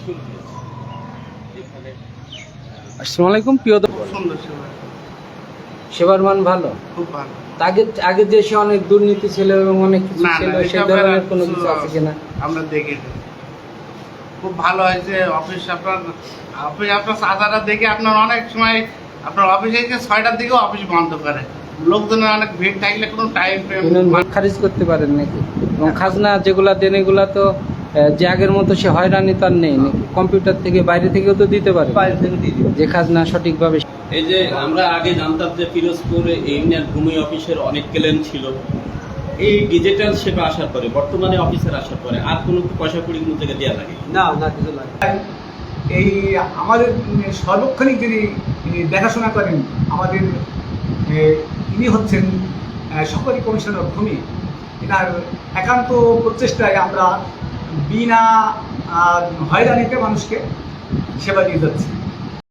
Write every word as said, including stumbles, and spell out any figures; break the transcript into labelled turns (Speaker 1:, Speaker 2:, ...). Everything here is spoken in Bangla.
Speaker 1: শুরু হয়েছে যেখানে।
Speaker 2: আসসালামু আলাইকুম প্রিয়
Speaker 3: সুন্দর সেবা,
Speaker 2: সেবার মান ভালো।
Speaker 3: খুব ভালো।
Speaker 2: আগে আগে দেশে অনেক দুর্নীতি ছিল এবং অনেক কিছু
Speaker 3: না,
Speaker 2: ছিল,
Speaker 3: না,
Speaker 2: সেই
Speaker 3: এসব
Speaker 2: ধরনের
Speaker 3: আর
Speaker 2: কোনো
Speaker 3: কিছু
Speaker 2: কিছু আছে কিনা?
Speaker 3: আমরা দেখিনি। খুব ভালো হয়েছে অফিস। আপনার অফিস আপনার চাঁদাটা দেখে আপনার অনেক সময় আপনার অফিসে এসে ছয়টার দিকেও অফিস বন্ধ করে। লোকজনের অনেক ভিড় থাকলে কোনো টাইম
Speaker 2: ইউনিয়ন ভাগ খারিজ করতে পারেন নাকি? এবং খাজনা যেগুলা দেন এগুলা তো আহ, যে আগের মতো সে হয়রানি তার নেই নাকি? কম্পিউটার থেকে বাইরে থেকেও তো দিতে পারে,
Speaker 1: বাইরে থেকে দিয়ে দিবে।
Speaker 2: যে খাজনা সঠিকভাবে।
Speaker 1: এই যে আমরা আগে জানতাম যে পিরোজপুর ইউনিয়ন ভূমি অফিসের অনেক ক্লেম ছিল, এই ডিজিটাল সেবা আসার পরে বর্তমানে অফিসের আসার পরে আর কোনো পয়সা কুড়ি কোনো জায়গায় দেওয়া লাগে
Speaker 2: না না কিছু লাগে।
Speaker 4: এই আমাদের সর্বক্ষণিক যিনি দেখাশোনা করেন আমাদের এ, ইনি হচ্ছেন সহকারী কমিশনার ভূমি। এনার একান্ত প্রচেষ্টায় আমরা বিনা আহ, হয়রানিতে মানুষকে সেবা দিয়ে যাচ্ছি।